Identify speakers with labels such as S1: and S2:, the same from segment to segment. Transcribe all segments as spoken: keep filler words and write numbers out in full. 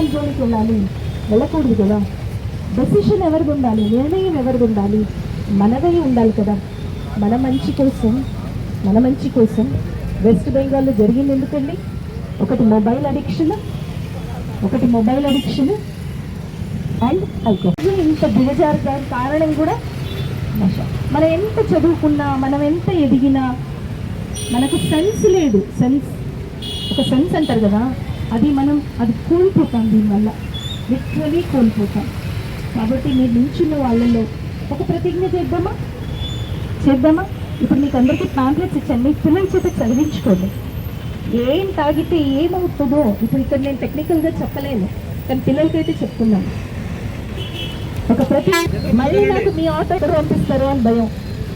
S1: Chemical జోలికి వెళ్ళాలి, వెళ్ళకూడదు కదా. డెసిషన్ ఎవరిది ఉండాలి, నిర్ణయం ఎవరిది ఉండాలి, మనదై ఉండాలి కదా. మన మంచి కోసం మన మంచి కోసం వెస్ట్ బెంగాల్లో జరిగింది ఎందుకండి? ఒకటి మొబైల్ అడిక్షన్, ఒకటి మొబైల్ అడిక్షన్ అండ్ ఆల్కహాల్. ఇంత దిగజారుతానికి కారణం కూడా నశ. మనం ఎంత చదువుకున్నా, మనం ఎంత ఎదిగినా మనకు సెన్స్ లేదు. సెన్స్, ఒక సెన్స్ అంటారు కదా, అది మనం అది కోల్పోతాం, దీనివల్ల లిటరలీ కోల్పోతాం. కాబట్టి మీరు నించున్న వాళ్ళలో ఒక ప్రతిజ్ఞ చేద్దామా చేద్దామా ఇప్పుడు మీకు అందరికీ ప్యాంప్లెట్స్ ఇచ్చాను, మీ పిల్లల చేత చదివించుకోండి. ఏం తాగితే ఏమవుతుందో ఇప్పుడు ఇక్కడ నేను టెక్నికల్గా చెప్పలేను, కానీ పిల్లలకైతే చెప్తున్నాను. ఒక ప్రతి మళ్ళీ నాకు మీ ఆటో పంపిస్తారు అని భయం.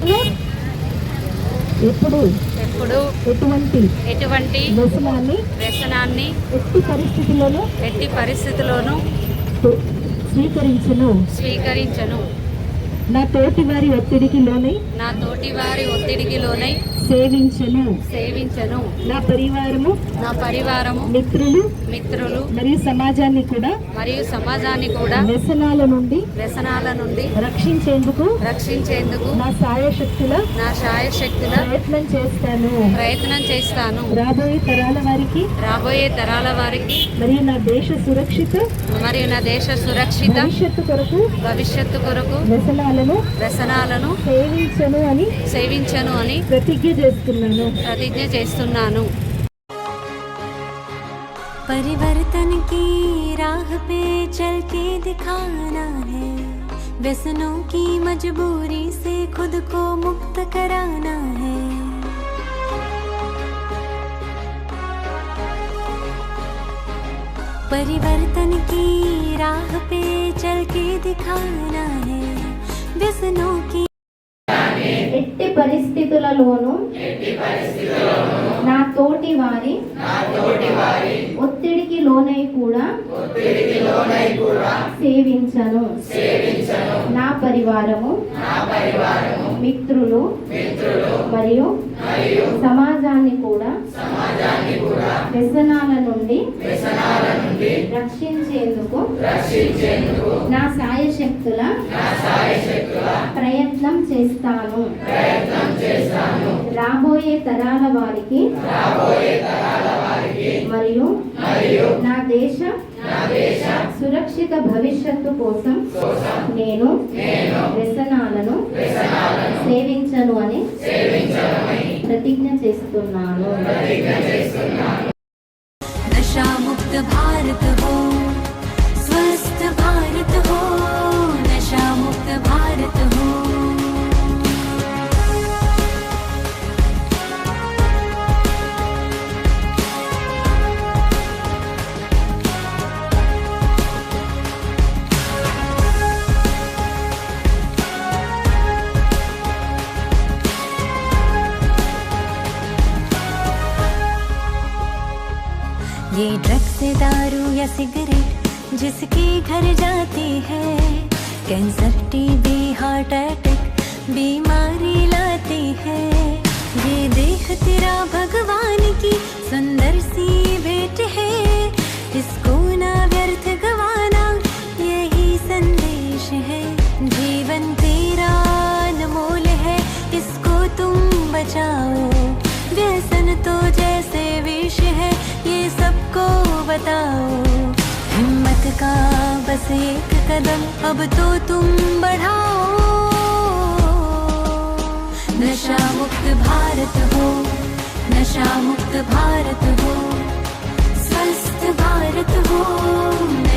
S1: ఎప్పుడు
S2: ఎప్పుడు
S1: ఎటువంటి
S2: ఎటువంటి
S1: వ్యసనాన్ని
S2: వ్యసనాన్ని
S1: ఎట్టి పరిస్థితుల్లోనూ
S2: ఎట్టి పరిస్థితుల్లోనూ
S1: స్వీకరించను
S2: స్వీకరించను
S1: నా తోటి వారి ఒత్తిడికి లోనై
S2: నా తోటి వారి ఒత్తిడికి లోనై
S1: సేవించను
S2: సేవించను
S1: నా పరివారము
S2: నా పరివారము
S1: మిత్రులు
S2: మిత్రులు
S1: మరియు సమాజాన్ని కూడా
S2: మరియు సమాజాన్ని కూడా
S1: వ్యసనాల నుండి
S2: వ్యసనాల నుండి
S1: రక్షించేందుకు
S2: రక్షించేందుకు
S1: నా సాయశక్తుల
S2: నా శాయశక్తుల
S1: ప్రయత్నం చేస్తాను
S2: ప్రయత్నం చేస్తాను
S1: రాబోయే తరాల వారికి
S2: రాబోయే తరాల వారికి
S1: మరియు నా దేశ సురక్షిత
S2: మరియు నా దేశ సురక్షిత
S1: భవిష్యత్తు కొరకు
S2: భవిష్యత్తు కొరకు
S1: వ్యసనాలను
S2: వ్యసనాలను
S1: సేవించను అని
S2: సేవించను అని
S1: ప్రతిజ్ఞ చేస్తున్నాను
S2: ప్రతిజ్ఞ చేస్తున్నాను.
S3: परिवर्तन की राह पे चल के दिखाना है, व्यसनों की मजबूरी से खुद को मुक्त कराना है. परिवर्तन की राह पे चल के दिखाना है, व्यसनों की
S4: ఎట్టి పరిస్థితులలోనూ నా తోటి వారి ఒత్తిడికి లోనై కూడా సేవించను నా పరివారము మిత్రులు మరియు సమాజాన్ని కూడా వ్యసనాల నుండి రక్షించేందుకు నా సాయశక్తుల ప్రయత్నం చేస్తాను. రాబోయే తరాల వారికి మరియు నా దేశ సురక్షిత భవిష్యత్తు కోసం నేను వ్యసనాలను సేవించను అని ప్రతిజ్ఞ చేస్తున్నాను.
S3: नशा मुक्त भारत हो, स्वस्थ भारत हो, नशा मुक्त भारत हो. ये ड्रग्स से दारू या सिगरेट जिसके घर जाती है, कैंसर टीबी हार्ट अटैक बीमारी लाती है. ये देह तेरा भगवान की सुंदर सी भेंट है, इसको ना व्यर्थ गवाना यही संदेश है. जीवन तेरा अनमोल है, इसको तुम बचाओ. व्यसन तो जैसे विष है, ये सबको बताओ. हिम्मत का बस एक कदम अब तो तुम बढ़ाओ. नशा मुक्त भारत हो, नशा मुक्त भारत हो, स्वस्थ भारत हो.